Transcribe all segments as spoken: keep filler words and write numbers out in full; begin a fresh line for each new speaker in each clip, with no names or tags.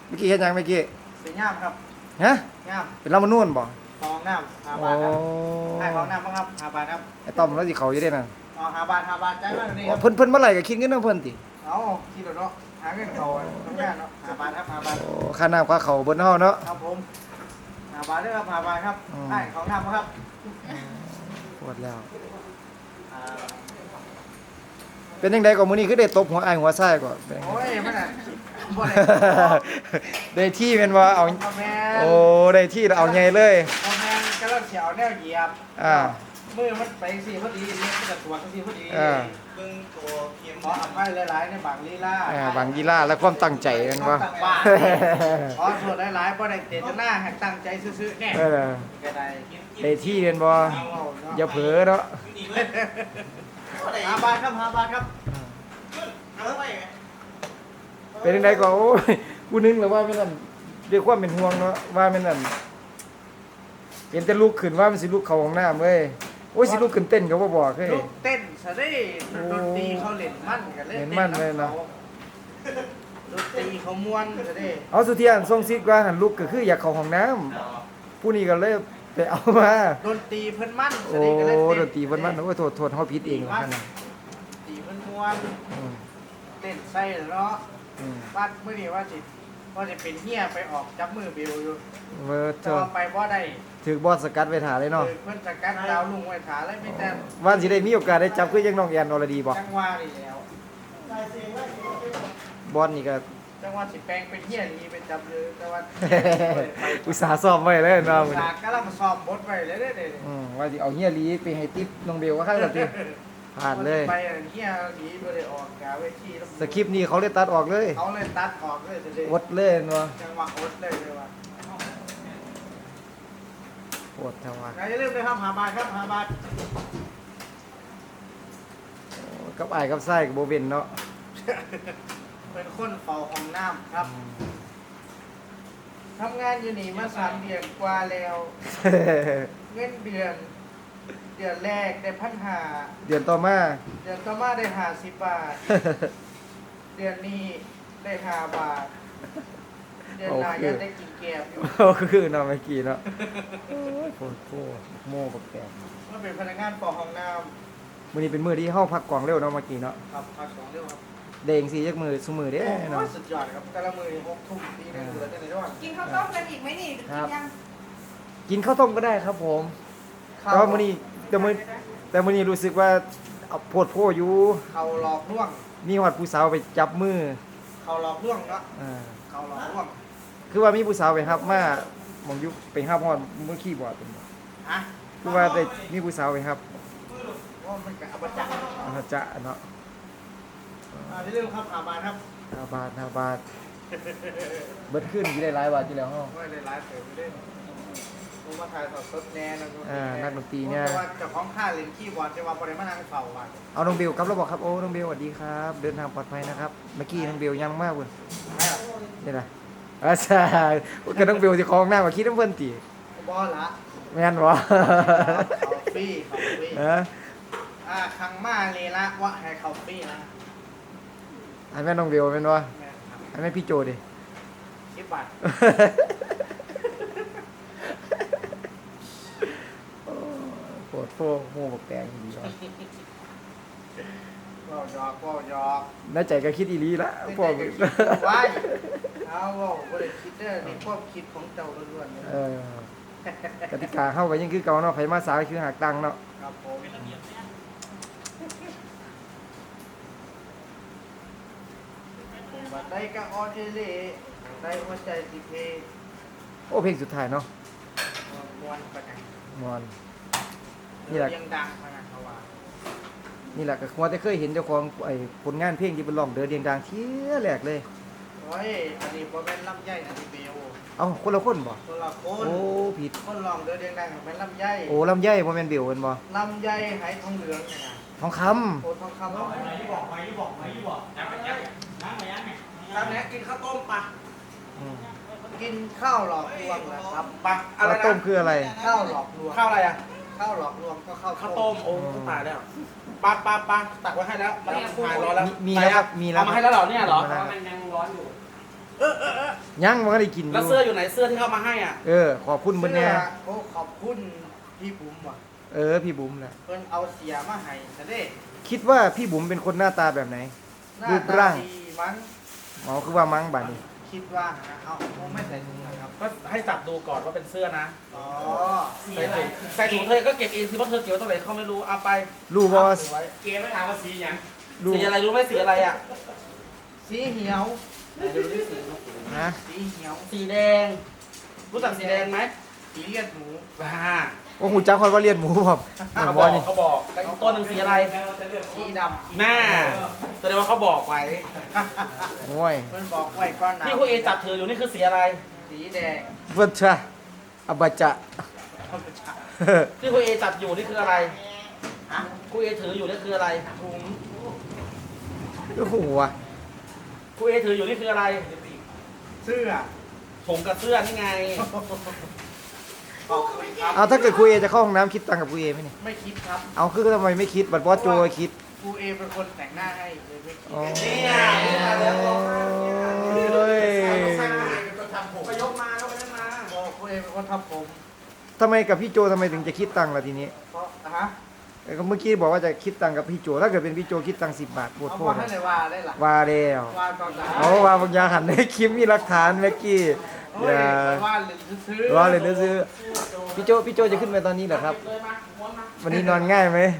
เมื่อกี้เห็นยังเมื่อกี้
เป็นย่ามครับ
ฮะ
ย่าม
เป็นลำมันนู่นบ่
ฟองน้ำหา
โอ้
บาทครับให้ฟองน้ำบ้างครับหาบาทครับ
ไอ้ต้อมแล้วสิเขาอยู่ได้น่ะ
อ๋อหาบาทหาบาทใจมากเลยครับ
เพิ่นเพิ่นเมื่อไหร่ก็คิดเงินนำเพิ่นติ
เอาคิดเนาะหาเงินเขาทำงานเนาะหาบาทครับหาบาท
โอ้ค่าน้ำค่าเขาวเบิ่นเฮาเนาะ
ครับผมหาบาทด้วยครับหาบาทครับ
อืม
ให้ของน้ำครับ
ปวดแล้ว
อ่า
เป็นจังไดก็มื้อนี้คือได้ตบหัวอ้ายหัวซ้ายก็เป็นจัง
โอ้
ได
ยมันอ่ะบ่ได้
ได้ที่แม่นบ่เอา
พ่อแม่
โอ้ได้ที่แล้วเอาใหญ่เลย
พ่อแม่กำลังเสียวแนวเหยียบ
อ่า
มือมันไปสิพอดีเนี่ยมันจะตรวจสิพอดี
อ่า
เบิ่งตัวเข็มขออภัยหลายๆในบางลีลา
อ่าบางกีฬาและความตั้งใจแม่นบ่
ตั้งบ้านขอโทษหลายๆบ่ได้เจตนาให้ตั้งใจซื่อๆแน่
เออ
ก็ได้
ได้ที่แม่นบ่อย่าเผลอเนาะ
หาบาทครับหาบาทครับ
เป็นจังไดก็โอ้ยกูนึกแล้วว่าแม่นอั่นด้วยความเป็นห่วงเนาะว่าแม่นอั่นเห็นแต่ลูกขึ้นว่ามันสิลูกเข้าห้องน้ำเว้ยโอ้ยสิลูกขึ้นเต้นก็บ่บอกเฮ้ย
ลูกเต้นซะได้ดนตรีเขาเล่นมันกันเล่น
เล่นมั่นเลยนะ
ดนตรีเขาม่วนซะได้
เอาสุเทียนส่งซิกว่าหันลูกก็คืออยากเข้าห้องน้ำผู้นี้ก็เลยไปเอามา
ดนตรีเพิ่นมันซะ
โอ้
ได้ก็เล่น
ดนตรีเพิ่นมันโอ้ยโทษโทษเฮาผิดเองล่ะคั่นน่ะ
ดนตรีเพิ่นม่วน
อืม
เต้นใส่เนาะ
อืม
ว่ามื้อนี้ว่าสิว่าสิเป็นเฮียไปออกจับมือเบลอยู่
เว้อ
แต่
เจ้า
ว่าไปบ่ได้
ถูกบอสสกัดไว้ท่าเลยเนาะ
เออเพิ่นสกัดดาวลุงไว้ขาเลยไม่แต่
ว่าสิได้มีโอกาสได้จับคือยังน้องแอนอรดีบ่
จังหวะนี่แล้ว
บอสนี่ก็
จังหวะสิแปลงเป็นเฮียนี่ไปจับเลยแต่ว่า
อุตส่าห์ซ้อมไว้เลยเนาะมื้อ
สา
นี้
กกำลังซ้อมบทไว้เลยเด้อเด้อ
อืมว่าสิเอาเฮียหลีไปให้ติ๊บน้องเบลว่าคั่นล่ะติผ่านเลย
ไปอันเฮียหนีบ่ได้ออกกาเวทีแล้ว
สคริปต์นี้เขาเลยตัดออกเลย
เขาเลยตัดออกเลยเด้อ
อดเลยเนาะ
จังหวะอดเลยเลยว่า
ปวดจังหวะ
อย่าลืมเลยครับหาบาทครับหาบาท
กับอ้ายกับไส้กับบ่เว้นเนาะ
เป็นคนเฝ้าห้องน้ำครับทำงานอยู่นี่มาสามเดือนกว่าแล้ว เงินเดือน เดือนแรกได้พันหา
เดือนต่อมา
เดือนต่อมาได้หาสิบบาท เดือนนี้ได้ห้าบาท เดือนหน้ายังได้กินแกบอยู่
โอ้คือเนาะเมื่อกี้เนาะโอ้ยโคตรโคตรโม่กับแกม
เมื่อเป็นพนักงานปอห้องน้
มื้อนี้เป็นมื้อที่เฮาพักกองเร็วเนาะเมื่อกี้เนาะ
ำครับพักสองเรื่องครับ
เด้งสิจักมื้อซุมื้อเด้
โอ้
เนาะ
ยสุดยอดครับแต่ละมือนี่หกทุ่มตีหนึงเหลือแต่ในระหว่าง
กินข้าวต้มกันอีกไหมนี่หรือกินยัง
กินข้าวต้มก็ได้ครับผมแต่ว่ามื้อนี้แต่มื้อแต่มื้อนี้รู้สึกว่าเอาโพดโพอยู่
เขาหลอกลวง
มีฮอดผู้สาวไปจับมือ
เขาหลอกลวงเนาะ
อ่า
เขาหลอกลวง
คือว่ามีผู้สาวไปรับมาหมองอยู่ไปรับฮอดมือคีย์บอร์ดเป็นบ่
ฮะ
คือว่าได้มีผู้สาวไปรับ
ว่ามันกับอบัจัก
อาจะเนาะ
อ่าที่เรื่องครับหาบาทครับ
ห้าบาทห้าบาทเบิดขึ้นกี่ได้หลายบาทที่แล้วเฮา
ไม่ได้ไลฟ์เสริมไม่ได้ผมมาถ่ายสดสดแน่นะ
อ่านักดนตรีเนี่ย
แต่ว่าเจ้าของค่ายเล่นคีย์บอร์ดจะว่าบริมานั่งเฝ้าบ้าน
เอาน้องเบลครับเราบอกครับโอ้น้องเบลสวัสดีครับ เดินทางปลอดภัยนะครับเมื่อกี้น้องเบลยังมากเลย
ไม่หรอก
นี่นะอาจารย์ก็น้องเบลสิของหน้ามาคิดน้ำเพิ่นติ
บอลละ
แม่นบ่
เขาฟรีเขาฟรี
เออ
อ่าคังมาเลยละว่าให้เขาฟรีนะ
อันแม่นน้องเบลแม่นบ่
แม่ครับ
อันแม่นพี่โจดิ
สิบบาท
โปวดโฟโม่บักแตงดีว่ะ
ก็หยอกก็หยอก
ในใจก็คิดอีหลีละ
ไม่
พว
ได้
ก
จะคิดไว้เอาว่าบ่ได้คิดเด้อนี่ความคิดของเจ้าล้วนๆเลย
เออกติกาเฮาก็ยังคือเก่าเนาะไผมาสายคือหักตังค์เนาะ
ครับผมบัดได้ก็ออเดเล่ได้หัวใจสิเพ
โอ้เพลงสุดท้ายเนาะ
มวนประกัน
มอน นี่
นี่
แห
แห
ละ
ละยังดังพนันเขาว่า
นี่แหละก็ควรจะเคยเห็นเจ้าของไอ้ผลงานเพลงที่เป็นร้องเดือเดียงดังเที่ยแรกเลย
โอ้ยอันนี้บ่แม่นลำไยอันนี้เบล
เอ้าคนละคนบ่
คนละคน
โอ้ผิด
คนลองเดือดเดียงดังแม่นลำไย
โอ้ลำไยบ่แม่นเบลเพิ่นบ่
ลำไยไหทองเหลืองเนี่ยนะ
ทองคำ
โอ้ทองคำเอาไหนบอกไหมบอกไหมบอกน้ำไปยังน้ำไปยังครับเนี่ยกินข้าวต้มปะ
อืม
กินข้าวหลอกลวงนะครับปะ
ข้าวต้มคืออะไร
ข้าวหลอกลวง
ข้าวอะไรอ่ะ
ข้าวหลอกลวงก็ข้าว
ข้าวต้ม โอ้ตายแล้วปลาปลาปลาตักไว้ให้แล้วมันหายร้อนแล้ว
มีมีแล้วครับมีแล้ว
เอามาให้แล้วเหรอเนี่ยเหรอ
มีแล้ว
มันยังร้อนอยู่
มยังมันก็ได้กินอ
แล้ว
ยู่
เสื้ออยู่ไหนเสื้อที่เขามาให้อ่ะ
เออขอบคุณเพิ่นแน่
โอ้ขอบคุณพี่บุ๋มว่ะ
เออพี่บุ๋มแหละ
เพิ่นเอาเสียมาให้ซะเด้
คิดว่าพี่บุ๋มเป็นคนหน้าตาแบบไหน
หน้า
รูป
ตา
ร่าง
ดีมั้ง
อ๋อคือว่ามั้งบัดนี้
คิดว่านะเอาเอาไม่ใส่ถุงนะครับ
ก็ให้จับดูก่อนว่าเป็นเสื้อนะ
อ๋อ
ใส่ถุงใส่ถุงเธอก็เก็บเองสิว่าเธอเก็บไว้ตรงไหนเขาไม่รู้เอาไป
รู้บ่ว่า
เอาไว้
เกมไม่ถามว่าสีอย่าง
รู้
สีอะไรรู้ไหมสีอะไรอ่ะ
สีเหียว
ไหนดูดิสี
นะ
สีเหียว
สีแดง รู้จักสีแดงไหม
สีเลือดหมู
ว้า
โอ้หูจักคนว่าเลียนหมูผม
เขา
บบ อ
อก
นี่
เขาบอกแต่อีกตัวหนึ่งสีอะไร
สีด
หน้าแสดงว่าเขาบอกไว้
ำ
โอ้ย
เพิ่นบอกไว้ก้อนหนา
ที่คุณเอจับถืออยู่นี่คือสีอะไร
สีแดง
เพิ่นชะอบาจะ
เขาไปฉะ
ที่คุณเอจับอยู่นี่คืออะไร
ฮะ
คุณเอถืออยู่นี่คืออะไร
ถุง
โอ้โหว่ะ
คุณเอถืออยู่นี่คืออะไร
เสื้อ
ถุงกับเสื้อนี่ไง
ขอบคุณครับ
เอาถ้าเกิดคุยเอจะเข้าห้องน้ำคิดตังค์กับคุยเอไหมเนี่ย
ไม่คิดครับ
เอาคือทำไมไม่คิดบัตรบอสโจคิด
ครูเอเป็นคนแต่งหน้าให้เลยไม่คิด
อ๋อ
นี่ไงแล้วก็
เฮ้ย
ไปยกมาแล้วไปนั่นมา
บอกครูเอเป็นคนทำผม
ทำไมกับพี่โจทำไมถึงจะคิดตังค์ล่ะทีนี้
เพราะฮะ
เอ้ยก็เมื่อกี้บอกว่าจะคิดตังค์กับพี่โจ ถ้าเกิดเป็นพี่โจคิดตังค์สิบบาทปวด
เอา
โท
ว่า
ษ
ให้เลยว่าได้หรอ
ว่าแล้ว
ว่าตอนไหน
เอาว่าบางอย่างหันในคลิปมีหลักฐานเมื่อกี้
เฮ้
อย ย่า
ว่าเลยซื้อ
รอเลยนะซื้อพี่โจพี่โจจะขึ้นไปตอนนี้เหรอครับ
เลยมาม้วนมา
วันนี้นอนง่ายไหม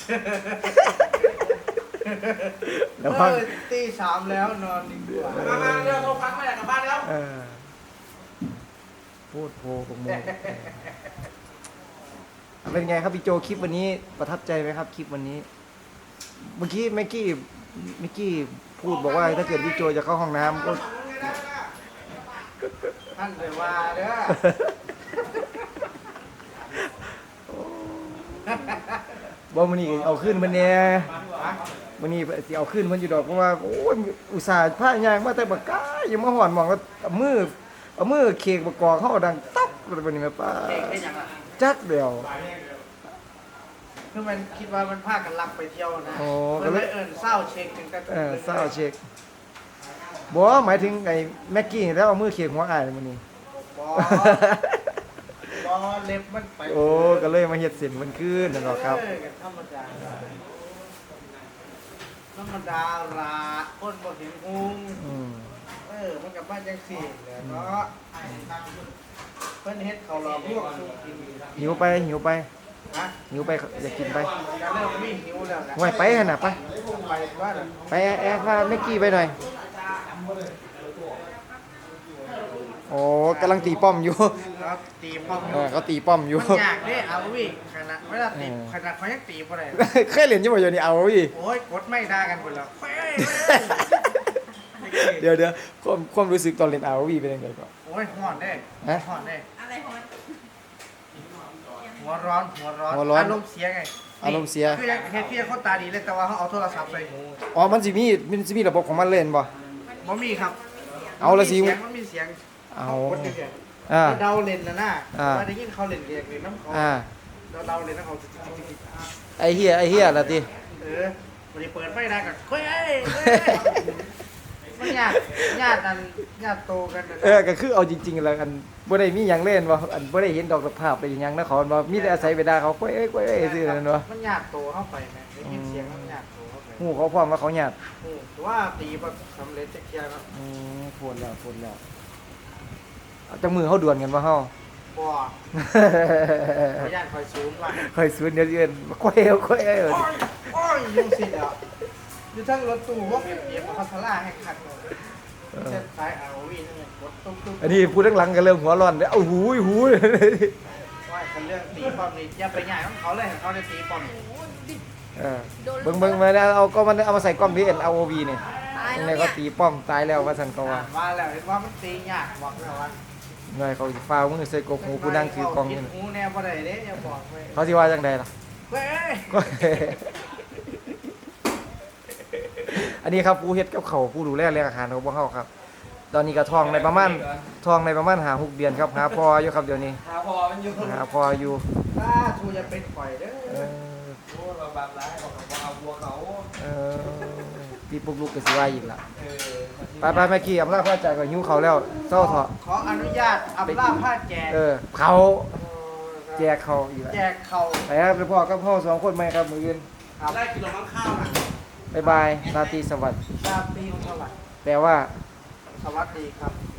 แล้
แล้ว ว
ก็
พัก
ตีสามแล้วนอนดีกว่า
มามาเร็วโทรพักไม่อยากกลับบ้านแล้ว
เออพูดโพกโมงเป็นไงครับพี่โจคลิปวันนี้ประทับใจไหมครับคลิปวันนี้ เมื่อกี้แม็กกี้แม็กกี้พูดบอกว่าถ้าเกิดพี่โจจะเข้าห้องน้ำก็
ท่านเลยว่าเด้อ
บอกมันนี่เอาขึ้นมันเนี่ยมันนี่สิเอาขึ้นมันอยู่ดอกเพราะว่าโอ้ยอุตส่าห์ผ้ายางมาแต่บักก้ายังมาหอนหมองก็เอามือเอามือเคกบกกอกเข้าดังตับอะไรแบบนี้แม่ป้า
เด็กเป็นยังไง
จักเดียว
คือมันคิดว่ามันพากันลักไปเที่ยวนะ
โอ้
มันเลยเอิญเศร้าเช็คถึงแต่
เออเศร้าเช็คบอกหมายถึงไอ้แม็กกี้แล้วเอามือเคกหัวอ้ายมันนี่
บอบอเล็บมันไป
โอ้ก็เลยมาเฮ็ดเส้นมันขึ้นนั่นหรอกครับ
เออกันธรรมดาธรรมดาละคนบ่เห็นหุง
อืม
เออมันกับบ้านจังสี่แหละเนาะเพิ่นเฮ็ดเขาวหล่อพวกสูกิน
หิวไปหิวไป
ฮะ
หิวไปอยากกินไป
ก็เริ่มมีหิวแล้วนะ
ไว้ไปขนาดไป
ไปว่าน่ะ
ไปแอร์แอร์พาแม็กกี้ไปหน่อยโอ้กำลังตีป้อมอยู่
ครับตีป้อม
เออเขาตีป้อมอยู่
มันยากเด้เอาวิขนาดเวลาตี
เออ
ขนาดเขายังตีบ่ได้
เคยเรียนอยี่ห้อเดียวนี่เอาพี่
โอ้ยกดไม่ได้กันหมดแล้วเฮ้ย
เดี๋ยวเดี๋ยวความความรู้สึกตอนเรียนเอาวีเป็นยังไงก่อน
โอ้ยห่อนเด้
ฮะ
ห่อนเด้
อะไรของมัน
หัวร้อนหัวร้อน
หัวร้อน
อารมณ์เสียไง
อารมณ์เสีย
คือยังเฮ็ดพี่เขาตาดีเลยแต่ว่าเขาเอาโทรศัพท์ใส่หู
อ๋อมันสิมีมันสิมีระบบของมันเล่นบ่
บ่มีครับ
เอาละสิ
มันมีเสียงมันมีเสียง
เอา
กดเฉย
อ่า
ๆเดาเล่นนะน่ะ
อ่า
ว่าได้ยินเขาเล่นเรียกเล่นน้ำเขา
อ่า
เราเดาเล่นน้ำเขาจิ๊กๆๆ
ไอเฮียไอเฮียละติ
ๆเออวันนี้เปิดไฟได้กันเฮ้ยเฮ้ยมันญาติญาตินั่นญาติโตกันนั่น
เออก็คือเอาจริงๆแล้วอันบ่ได้มีหยังเล่นบ่อันบ่ได้เห็นดอกภาพได้หยังนะเขาบ่มีแต่อาศัยไปด่าเขาก้อยเอ้ยก้อยเอ้ยซื่อนั่นบ่
มันญาติโตเข้าไปนะได้ยินเสียงมันญาติโตเข้าไป
ฮู้เขาพร้อมว่าเขาหยาด
โอ้แต่ว่าตีแบบสำเร็จจะเคลียร์แล้ว
อืมโพดแล้วโพดแล้วเอาจังมือเฮาดวลกันบ่เฮา
บ่ขอญาติคอยซูมว่า
ค่อยสวนเดี๋ยวเอิ้นก้อยเอ้ยก้อยเอ้ย
โอ้ยโอ้ยยุ่งสิแล้วอยู่ทั้งรถตู้ว่าเปรียบเทียบกับพัทล่าให้ขัดเลยเส้นสายเอาวีนั่นเองรถตุ๊กตุ๊ก
อันนี้พูดข้างหลังก็เริ่มหัวร้อนเด้อเอาหูยหูย
ว่าคันเรื่องตีป้อมนี่อย่าไปใหญ่ของเขาเลยให้เขาได้ตีป้อม
เออเบิ่งเบิ่งมาแล้วเอาก็มันเอามาใส่กล้องที่ เอ็น อาร์ โอ วี นี่
ตาย
ยัง
แล้
ไง
ว
ก็
เนี่ย
ตีป้อมตายแล้วว่าซั่นก็ว่า
มาแล้วเห็นว่ามันตียากบอกแล้วว่า
ไงเขาสิฟ้าวมือใส่กกหูผู้นั่งถือกล้อง
คิ
นี่
ดหูแนวบ่ได้เด้อย่าบอกไว้
เขาสิว่าจังไดล่ะ
เว้ย
ก็ อันนี้ครับผู้เฮ็ดกับเขาวผู้ดูแลเรื่องอาหารของพวกเขาครับ ตอนนี้ก็ทองในประมาณทองในประมาณหาหกเดือนครับหาพออยู่ครับเดี๋ยวนี้
หาพอมันอยู่
หาพออยู่
ถ้าทูจะเป็นข่อยเด้
เอ
อ
อ
โอ้เราบาปร้ายบอกว่าเอาวัวเขา
เออพี่ปุ๊กลุกก็สิว่าอีกละ
เออ
ไปไปแม่กี้อำลาพระจากก็หิวเขาวแล้วเศร้าเถาะ
ขออนุญาตอับลาผ้าแจก
เออเขาแจกเขาอีกละ
แจกเข่า
ไปครับไปพ่อกับพ่อสองคนไหมครับมืออื่น
ได้กินลงข้าวนะ
บ๊ายบายราตรีสวัสดิ์
ราตรีสวัสดิ์
แปลว่า
สวัสดีครับ
อ